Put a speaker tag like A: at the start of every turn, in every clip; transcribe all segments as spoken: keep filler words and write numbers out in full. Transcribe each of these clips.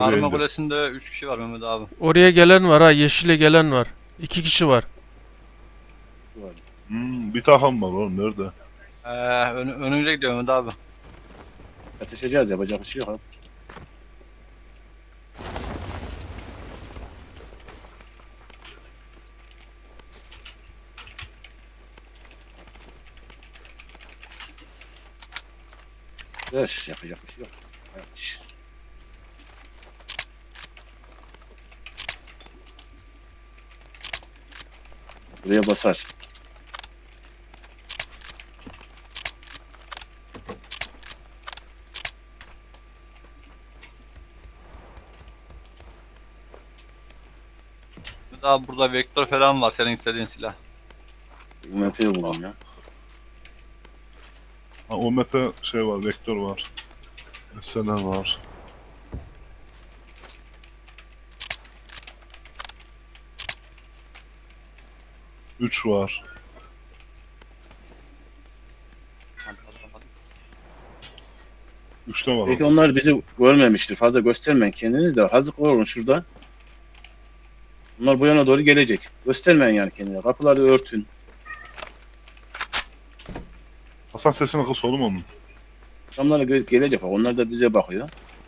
A: Buraya
B: Arma
A: indi.
B: Kulesi'nde üç kişi var Mehmet abi.
C: Oraya gelen var ha. Yeşile gelen var. İki kişi var.
D: Var.
A: Hmm, bir takım var oğlum nerede?
B: Ee, ön, önüyle gidiyor Mehmet abi.
D: Yatışacağız, yapacak bir şey yok abi. Yaş, yapacak bir şey yok. Yaş. Buraya basar.
B: Mehmet abi burada vektör falan var senin istediğin silah.
D: U M P'yi buldum ya.
A: Ha, O M P şey var, vektör var. S L R var. üç var. üçte var
D: Belki
A: oğlum.
D: onlar bizi görmemiştir. Fazla göstermeyin kendiniz de. Hazır olun şurada. Bunlar bu yana doğru gelecek. Göstermeyin yani kendine. Kapıları örtün.
A: Hasan sesini kıs oğlum onun.
D: Adamlar da gö- gelecek. Bak, onlar da bize bakıyor.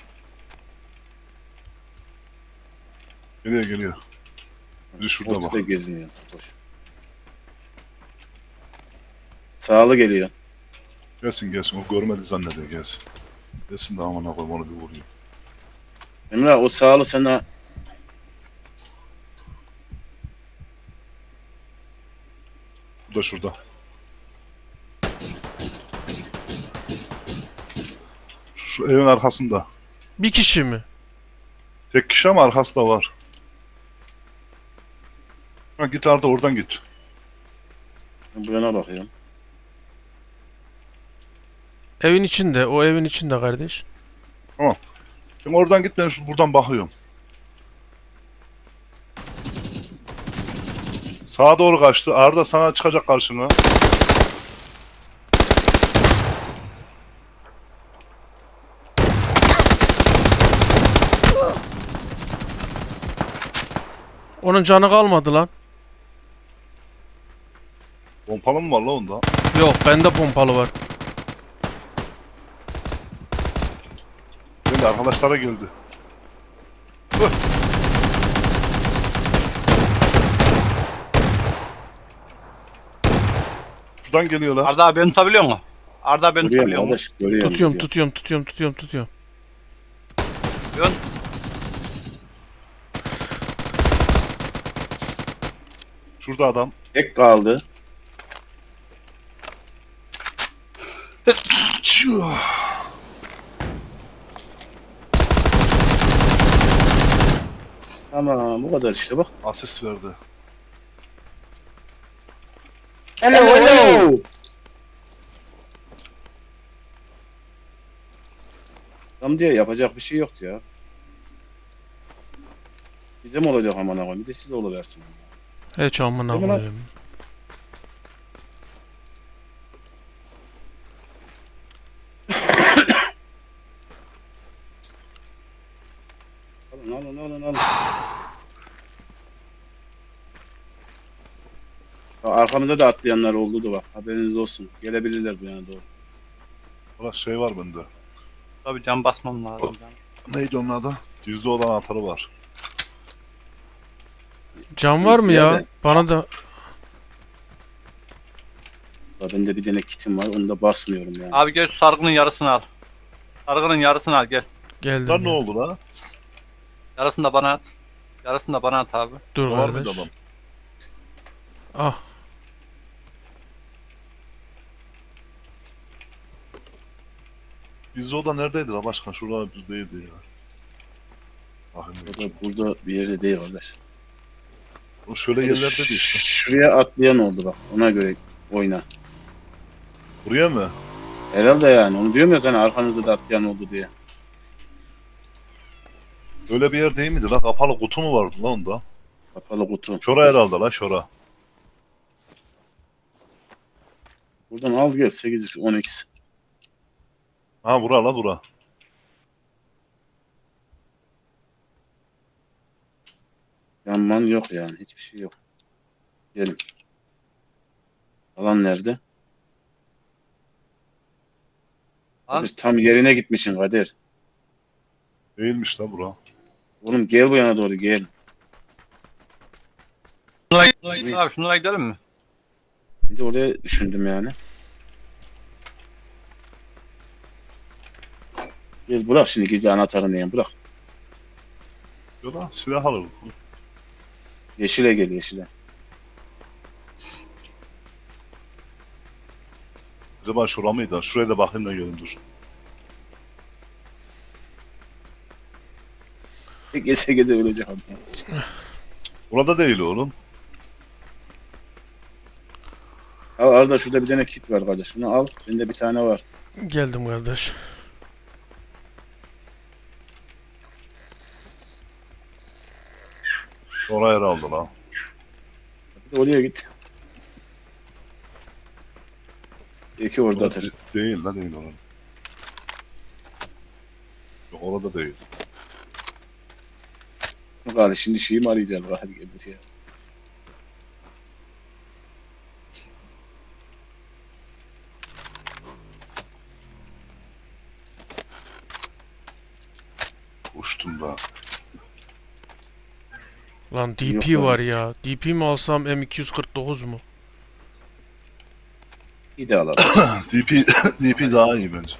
A: Geliyor geliyor. Biri şurada bak.
D: Ortada geziniyor. Totoş. Sağlı geliyor.
A: Gelsin gelsin. O görmedi zannediyor gelsin. Gelsin de amına koyayım onu bir vurayım.
D: Emrah o sağlı sana
A: Bu da şurada. Şu, şu evin arkasında.
C: Bir kişi mi?
A: Tek kişi ama arkası da var. Ha git Arda oradan git.
D: bu yana bakıyorum.
C: Evin içinde. O evin içinde kardeş.
A: Sen oradan git ben şu buradan bakıyorum. Sağa doğru kaçtı. Arda sana çıkacak karşına.
C: Onun canı kalmadı lan.
A: Pompalı mı var la onda?
C: Yok bende pompalı var.
A: Geldi arkadaşlara geldi. Hıh. Şuradan geliyorlar.
B: Arda abi beni tutabiliyor musun? Arda abi beni
D: Görüyorum
B: tutabiliyor musun?
D: kardeş. Görüyorum.
C: Tutuyorum
D: görüyorum.
C: tutuyorum tutuyorum tutuyorum tutuyorum.
B: Yön.
A: Şurada adam.
D: Tek kaldı. Tamam bu kadar işte bak.
A: Asist verdi.
D: Hello hello. Tam diye yapacak bir şey yoktu ya. Bize mi olacak aman aman bir de size oluversin.
C: Hiç amına
D: Değil mi lan?
C: koyayım.
D: Alın alın alın alın. Ya arkamızda da atlayanlar oldu da bak haberiniz olsun. Gelebilirler bu yana doğru.
A: Valla şey var bende.
B: Tabii can basmam lazım. Can.
A: Neydi onun adı? Yüzde olan atarı var.
C: Can var mı ya?
D: Ziyade.
C: Bana da
D: Ya bende bir tane kitim var onu da basmıyorum yani.
B: Abi gel şu sargının yarısını al. Sargının yarısını al gel.
C: geldim.
A: Lan ne
C: ya.
A: oldu la?
B: Yarısını da bana at. Yarısını da bana at abi.
C: Dur
A: Var mıydı
C: kardeş.
A: adam?
C: Ah.
A: Bizde o da neredeydi la başkan? Şurada bizdeydi ya. Bakın
D: O da burada bir yerde değil kardeş.
A: o şöyle yerlerdeydi işte.
D: Şuraya atlayan oldu bak ona göre oyna.
A: Buraya mı?
D: Herhalde yani onu diyorum ya sana arkanızda da atlayan oldu diye.
A: Öyle bir yer değil miydi la? Kapalı kutu mu vardı la onda?
D: Kapalı kutu.
A: Şora herhalde la şora.
D: Buradan al gel sekiz on iki.
A: Ha bura la bura.
D: Yanman yok yani. Hiçbir şey yok. Gelin. Alan nerede?
B: Lan
D: Kadir, tam yerine gitmişsin Kadir.
A: Değilmiş la bura.
D: Oğlum gel bu yana doğru gel.
B: şunlara gidelim abi, şunlara gidelim mi?
D: Şimdi oraya düşündüm yani. Gel bırak şimdi gizli anahtarını yani bırak.
A: Yola silah alırız.
D: Yeşile gel yeşile.
A: Acaba şura mıydı? Şuraya da bakayım da görün dur.
D: Geze geze ölecek adam.
A: Burada değil oğlum.
D: Al Arda şurada bir tane kit var kardeş. Şunu al. Bende bir tane var.
C: Geldim kardeş.
A: Oraya herhalde la.
D: Bir de oraya git. İki orada atır.
A: Değil la değil oğlum. Yok orada değil.
D: Hadi şimdi şeyi mi arayacağız? Hadi gel buraya.
A: Uçtum da.
C: Lan D
D: Yok
C: P
D: lan.
C: var ya. D P mi alsam M iki yüz kırk dokuz mu?
D: İyi de alalım.
A: D P, D P daha iyi bence.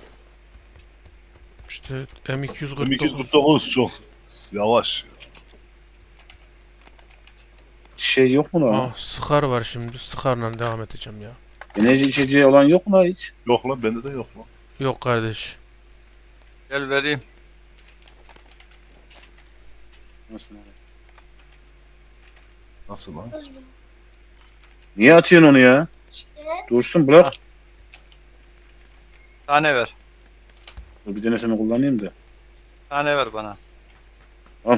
C: İşte M iki yüz kırk dokuz.
A: M iki yüz kırk dokuz çok yavaş.
D: Şey yok mu lan?
C: Ah, Scar var şimdi. Scar'la devam edeceğim ya.
D: Enerji içeceği olan yok mu lan hiç?
A: Yok lan bende de yok lan.
C: Yok kardeş.
B: Gel vereyim.
D: Nasıl lan?
A: Nasıl lan?
D: Niye atıyorsun onu ya? Dursun bırak.
B: Tane ver.
D: Dur bir denesini kullanayım da.
B: Tane ver bana.
D: Al.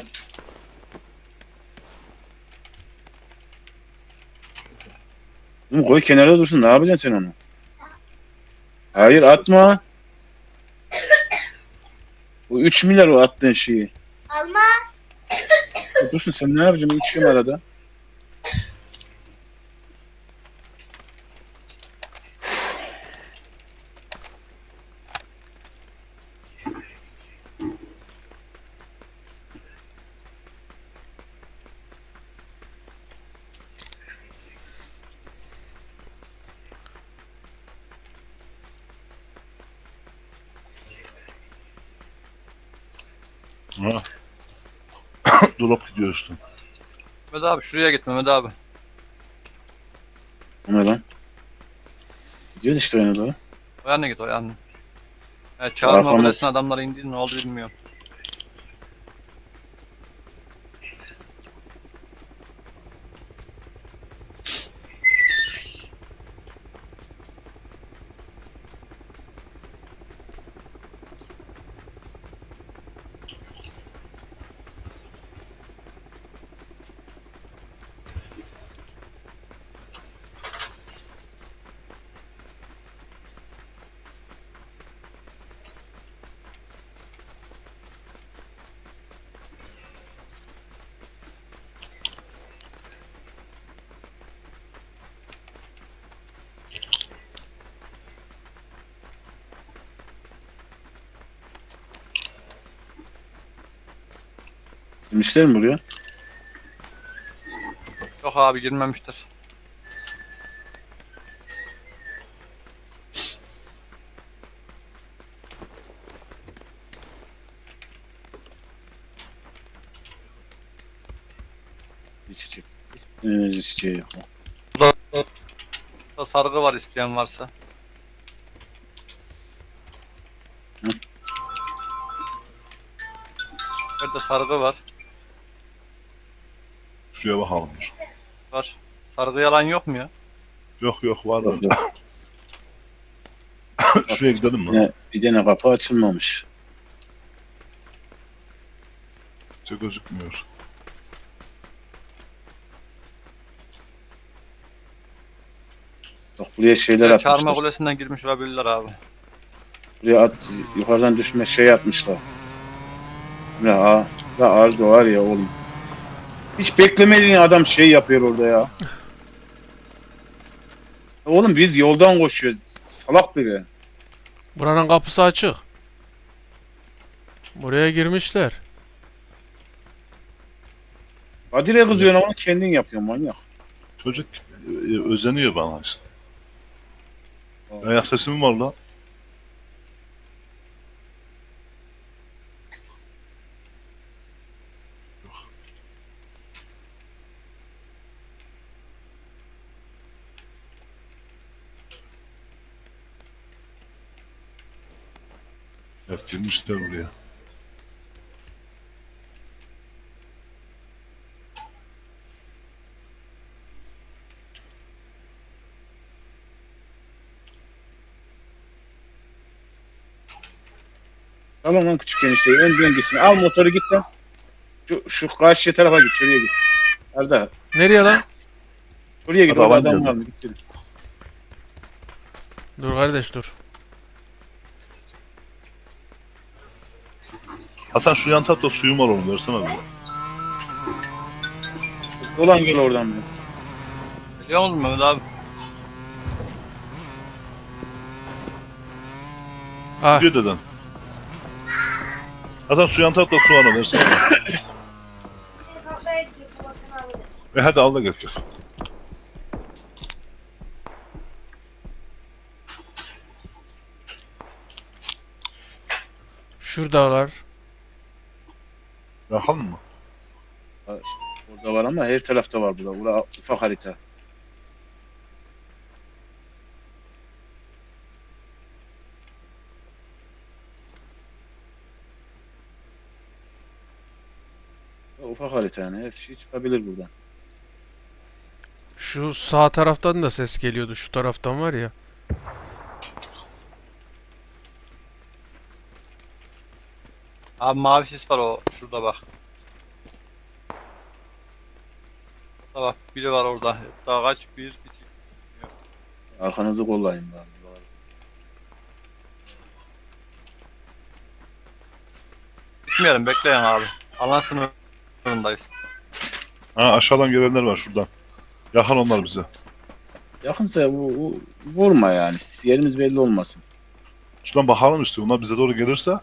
D: Oğlum koy kenara dursun. Ne yapacaksın sen onu? Hayır atma. Bu üç milyar o attığın şeyi.
E: Alma.
D: Dursun sen ne yapacaksın? İçiyorum arada.
A: Ha. Drop gidiyor üstü.
B: Mehmet abi şuraya git Mehmet abi.
D: O ne lan? Gidiyoruz işte oyuna doğru.
B: O yana git o yana. Evet, çağırma
D: Arkamız.
B: kulesine adamlar indi, ne oldu bilmiyorum.
D: Girmişler mi buraya?
B: Yok abi girmemiştir.
D: İçecek. Enerji içeceği yok.
B: Burada sargı var isteyen varsa.
D: Hı?
B: Nerede sargı var?
A: Şuraya bakalım dur.
B: Var. Sargı yalan yok mu ya?
A: Yok yok var
D: Yok,
A: da.
D: yok.
A: Şuraya gidelim mi?
D: Yine bir tane kapı açılmamış.
A: Hiç gözükmüyor.
D: Bak buraya şeyler
B: Evet, çağırma
D: atmışlar.
B: kulesinden girmiş olabilirler abi.
D: Buraya at, yukarıdan düşme şey yapmışlar. Ya, aa, ya Arda var ya oğlum. Hiç beklemediğin adam şey yapıyor orada ya. Oğlum biz yoldan koşuyoruz. Salak biri.
C: Buranın kapısı açık. Buraya girmişler.
D: Kadir'e kızıyorsun ama kendin yapıyorsun manyak.
A: Çocuk e, özeniyor bana işte. Ayak sesi mi var lan? Evet, girmişler buraya.
D: Tamam lan küçük enişteyi en dengesini al motoru git lan. Şu, şu karşı tarafa git şuraya git. Arda
C: Nereye lan?
D: şuraya git
A: Hadi
D: orada
A: alan
D: adam
A: geldi.
D: var mı git dedim.
C: Dur kardeş dur.
A: Hasan şu yan tarafta suyum var oğlum, versene bir.
D: Dolan gel oradan bir.
B: Biliyor musun Mehmet abi?
C: Ah,
A: Gidiyor deden. Hasan şu yan tarafta su var, versene.
E: Kafaya gidiyor babasını alır.
A: E hadi al da gel. gel.
C: şuradalar.
A: Yakalım mı?
D: Ha, işte orada var ama her tarafta var burada. Bura ufak harita. Ya, ufak harita yani her şey çıkabilir buradan.
C: Şu sağ taraftan da ses geliyordu. Şu taraftan var ya.
B: Abi mavi sis var o. Şurada bak. Orada bak. Biri var orada. Daha kaç? Bir, iki.
D: Arkanızı kollayın bari.
B: Gitmeyelim. Bekleyin abi. Alan sınırındayız.
A: Ha, aşağıdan gelenler var şuradan. Yakal onlar bize.
D: Yakınsa bu, bu- vurma yani. Yerimiz belli olmasın.
A: Şuradan bakalım işte. Onlar bize doğru gelirse.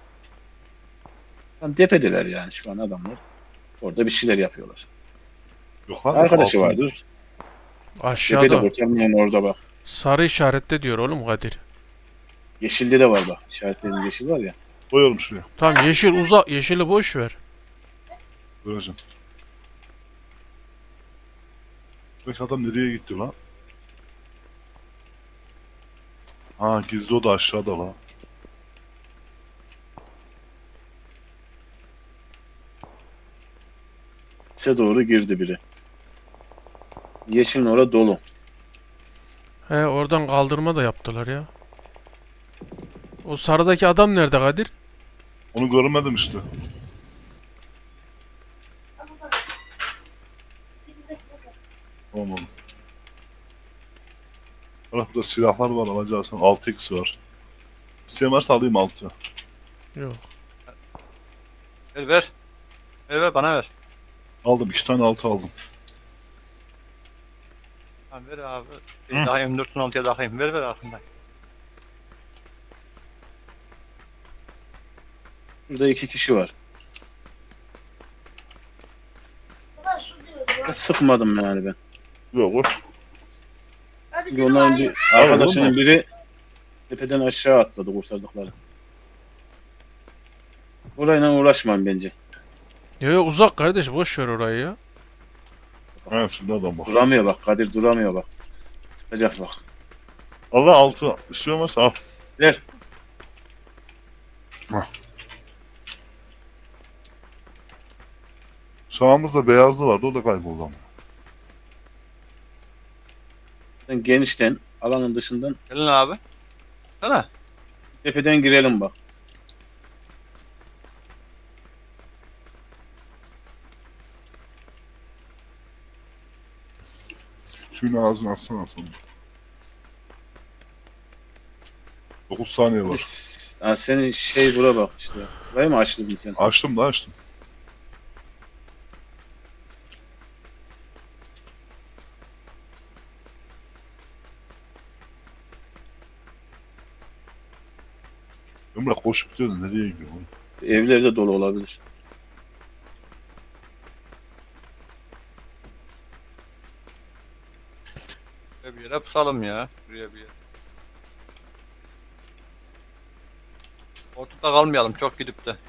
D: Tam tepedeler yani şu an adamlar. Orada bir şeyler yapıyorlar.
A: Yok lan.
D: Arkadaşı
A: altında.
D: vardır. Tepede
C: Aşağıda.
D: kurtarmayan orada bak.
C: Sarı işarette diyor oğlum Kadir.
D: Yeşilde de var bak. İşaretlediğim yeşil var ya.
A: Koyalım şuraya.
C: Tamam yeşil uzak. Yeşili boş ver.
A: Göreceğim. Peki adam nereye gitti lan? Ha, gizli oda aşağıda lan.
D: Size doğru girdi biri. Yeşilin orada dolu.
C: He oradan kaldırma da yaptılar ya. O sarıdaki adam nerede Kadir?
A: Onu görmedim işte. Tamam oğlum. Bak burada silahlar var, alacağız. altı x var. İsteyen varsa alayım altı.
C: Yok.
B: Ver ver. Ver ver bana ver.
A: Aldım, iki tane altı aldım.
B: Ha, ver abi.
A: Hı.
B: Daha M dört on altıya takayım. Ver ver arkamdan.
D: Burada iki kişi var.
E: Baba su diyordu.
D: Ben sıkmadım yani ben.
A: Yok o.
E: Abi
D: Çünkü onların
E: dedim
D: bir
A: Abi,
D: arkadaşının
A: olmaz.
D: biri tepeden aşağı atladı kurtardıkları. Orayla uğraşmam bence.
C: Yo yo uzak kardeş boş ver orayı ya.
A: Evet, şimdi adam bak.
D: Duramıyor bak. Kadir duramıyor bak. Sıkacak bak.
A: Allah altı. İstiyor varsa al.
D: Ver.
A: Sağımızda beyazlı vardı, o da kayboldu ama.
D: Sen genişten alanın dışından
B: Gelin abi. Sana.
D: tepeden girelim bak.
A: Suyun ağzını açsana sonra. dokuz saniye var.
D: Ha, senin şey bura bak işte. Burayı mı açtırdın sen?
A: Açtım da açtım. Emre koşup gidiyor da nereye gidiyor oğlum?
D: Evlerde dolu olabilir.
B: Şuraya bir yere pusalım ya. Şuraya bir yere. Ortada kalmayalım çok gidip de.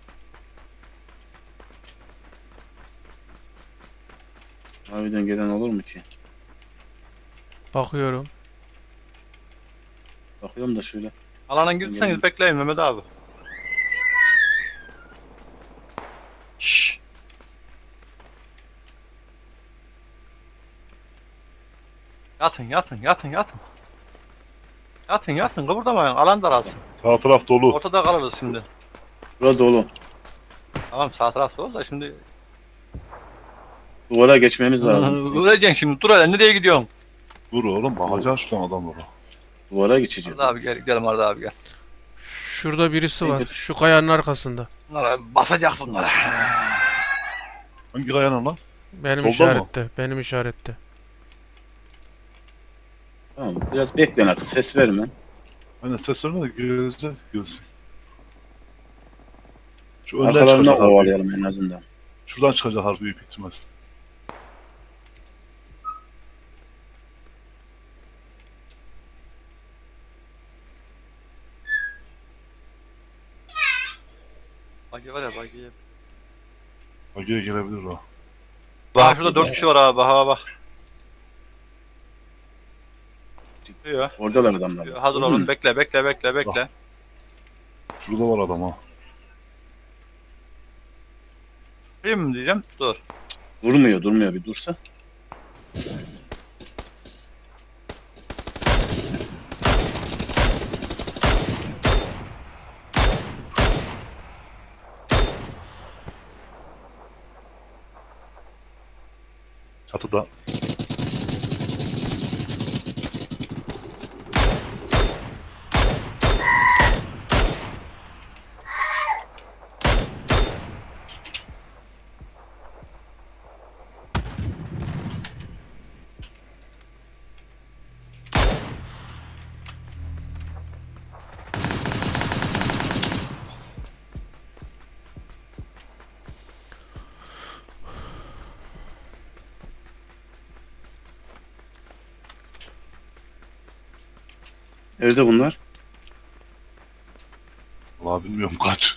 D: Harbiden gelen olur mu ki?
C: Bakıyorum.
D: Bakıyorum da şöyle.
B: Alana girseniz bekleyin Mehmet abi. Şşş. Yatın yatın yatın yatın. Yatın yatın kıpırdamayın alan daralsın.
A: Sağ taraf dolu.
B: Ortada kalırız şimdi.
D: Burada dolu.
B: Tamam sağ tarafta ol da şimdi.
D: Duvara geçmemiz lazım.
B: Öleceksin şimdi dur hele nereye gidiyorsun?
A: Dur oğlum bakacaksın şuradan adamlara.
D: Duvara geçeceğiz.
B: Arda abi gel gidelim Arda abi gel.
C: Şurada birisi var. Şu kayanın arkasında.
B: Bunlara basacak bunlara.
A: Hangi kayanın lan?
C: Benim
A: Solda mı?
C: işarette. Benim işarette.
D: Tamam. Biraz beklen artık. Ses verme.
A: Hani ses verme de gelecek gelsin. Şu önden
D: Arkalarına
A: çıkacak harbi.
D: kovalayalım en azından.
A: Şuradan çıkacak harbi büyük ihtimal.
B: Bagi var ya bagi.
A: Bagiye gelebilir o.
B: Bak şurada dört kişi var abi bak bak bak. Diyor.
D: Oradalar adamlar.
B: Hadi oğlum bekle bekle bekle bekle.
A: Şurada var adam ha.
B: Değil mi diyeceğim? Dur.
D: Durmuyor durmuyor bir dursa.
A: Çatıda.
D: Nerede bunlar?
A: Valla bilmiyorum kaç.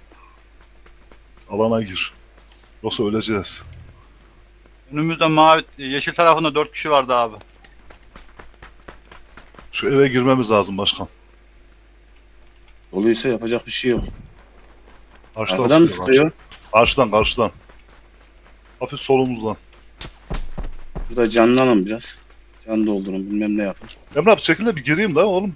A: Alana gir. Yoksa öleceğiz.
B: Önümüzde mavi yeşil tarafında dört kişi vardı abi.
A: Şu eve girmemiz lazım başkan.
D: Doluysa yapacak bir şey yok.
A: Karşıdan
D: Arkadan mı
A: sıkıyor,
D: sıkıyor?
A: Karşıdan karşıdan. Hafif solumuzdan.
D: Burada canlanın biraz. Can doldurun bilmem ne yapın.
A: Emre abi çekil de bir gireyim de oğlum.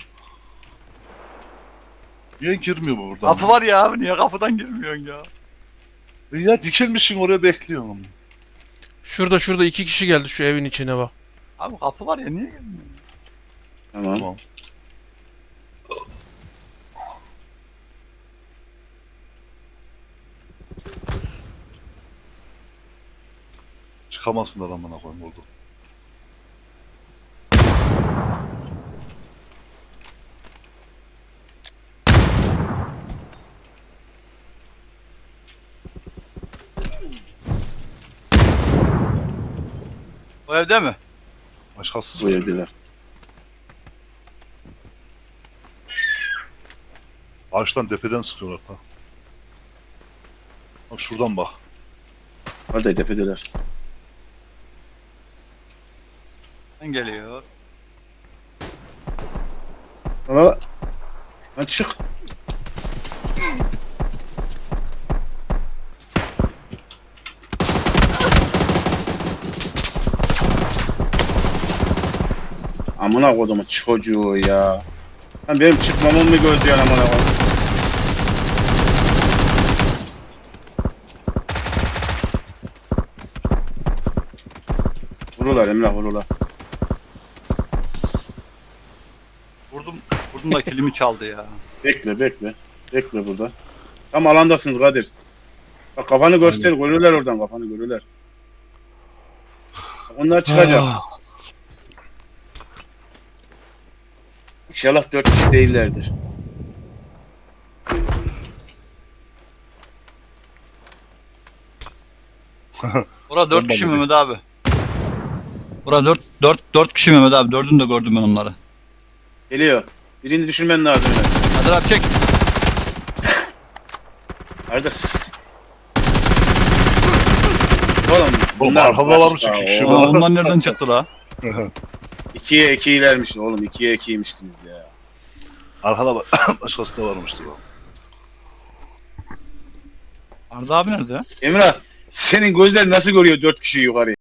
A: Niye girmiyor bu buradan?
B: Kapı var ya abi niye kapıdan girmiyorsun ya?
A: E ya dikilmişsin oraya bekliyorum.
C: Şurada şurada iki kişi geldi şu evin içine bak.
B: Abi kapı var ya niye girmiyor?
D: Tamam.
A: Tamam. Çıkamazsınlar amına koyayım orada.
B: O evde mi?
A: Başkası
D: Bu
A: sıkıyor.
D: evdeler.
A: Ağaçtan tepeden sıkıyorlar ta. Bak şuradan bak.
D: Hadi tepedeler.
B: Sen geliyor.
D: Ama açık. Amına kodumun çocuğu ya. Lan benim çıkmamı mı gözlüyorsun amına kodum? Vurular Emrah vurular.
B: Vurdum. Vurdum da kilimi çaldı ya.
D: Bekle bekle. Bekle burada. Tam alandasınız Kadir. Bak kafanı göster. Görürler oradan kafanı görürler. Bak onlar çıkacak. İnşallah dört kişi değillerdir.
B: Bura dört
A: Ben
B: kişi
A: de
B: Mehmet abi. Bura dört dört dört kişi Mehmet abi. Dördünü de gördüm ben onları.
D: Geliyor. Birini düşürmen lazım. Ömer.
B: Hadi abi çek.
D: Kardeş. Oğlum
A: Oğlum arkada varmış
D: başka,
A: iki kişi
D: o-
B: Aa, onlar nereden çıktı la?
D: İkiye ikiyi vermişsin oğlum. İkiye ikiymiştiniz ya.
A: Arkada bak. Başkası da varmıştı bak.
B: Arda abi nerede?
D: Emrah senin gözler nasıl görüyor dört kişiyi yukarıya?